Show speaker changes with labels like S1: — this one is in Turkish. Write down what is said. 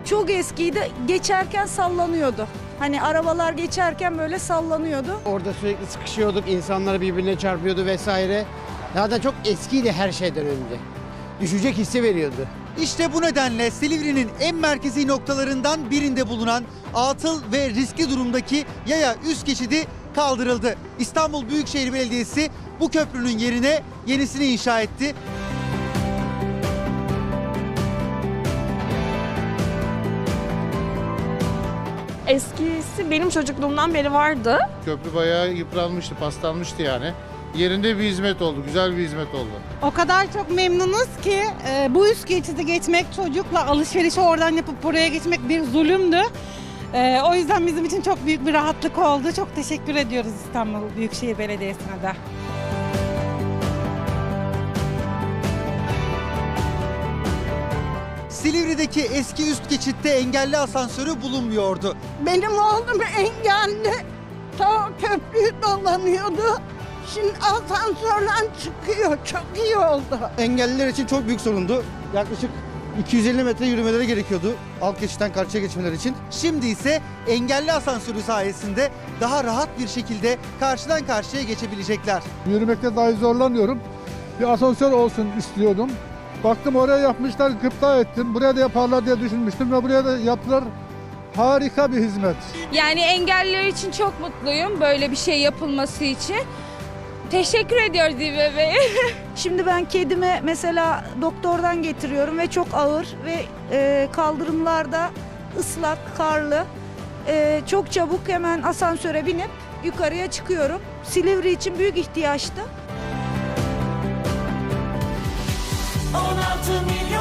S1: Çok eskiydi. Geçerken sallanıyordu. Hani arabalar geçerken böyle sallanıyordu.
S2: Orada sürekli sıkışıyorduk, insanlar birbirine çarpıyordu vesaire. Zaten çok eskiydi her şeyden önce. Düşecek hissi veriyordu.
S3: İşte bu nedenle Silivri'nin en merkezi noktalarından birinde bulunan atıl ve riskli durumdaki yaya üst geçidi kaldırıldı. İstanbul Büyükşehir Belediyesi bu köprünün yerine yenisini inşa etti.
S4: Eskisi benim çocukluğumdan beri vardı.
S5: Köprü bayağı yıpranmıştı, paslanmıştı yani. Yerinde bir hizmet oldu, güzel bir hizmet oldu.
S6: O kadar çok memnunuz ki bu üst geçidi geçmek, çocukla alışverişi oradan yapıp buraya geçmek bir zulümdü. O yüzden bizim için çok büyük bir rahatlık oldu. Çok teşekkür ediyoruz İstanbul Büyükşehir Belediyesi'ne de.
S3: Silivri'deki eski üst geçitte engelli asansörü bulunmuyordu.
S7: Benim oğlum engelli. Ta köprüyü dolanıyordu. Şimdi asansörden çıkıyor. Çok iyi oldu.
S8: Engelliler için çok büyük sorundu. Yaklaşık 250 metre yürümeleri gerekiyordu alt geçitten karşıya geçmeleri için.
S3: Şimdi ise engelli asansörü sayesinde daha rahat bir şekilde karşıdan karşıya geçebilecekler.
S9: Yürümekte dahi zorlanıyorum. Bir asansör olsun istiyordum. Baktım oraya yapmışlar, gıpta ettim. Buraya da yaparlar diye düşünmüştüm ve buraya da yaptılar. Harika bir hizmet.
S10: Yani engelliler için çok mutluyum böyle bir şey yapılması için. Teşekkür ediyoruz İBB'ye.
S1: Şimdi ben kedime mesela doktordan getiriyorum ve çok ağır ve kaldırımlarda ıslak, karlı. Çok çabuk hemen asansöre binip yukarıya çıkıyorum. Silivri için büyük ihtiyaçtı.
S11: 16 milyon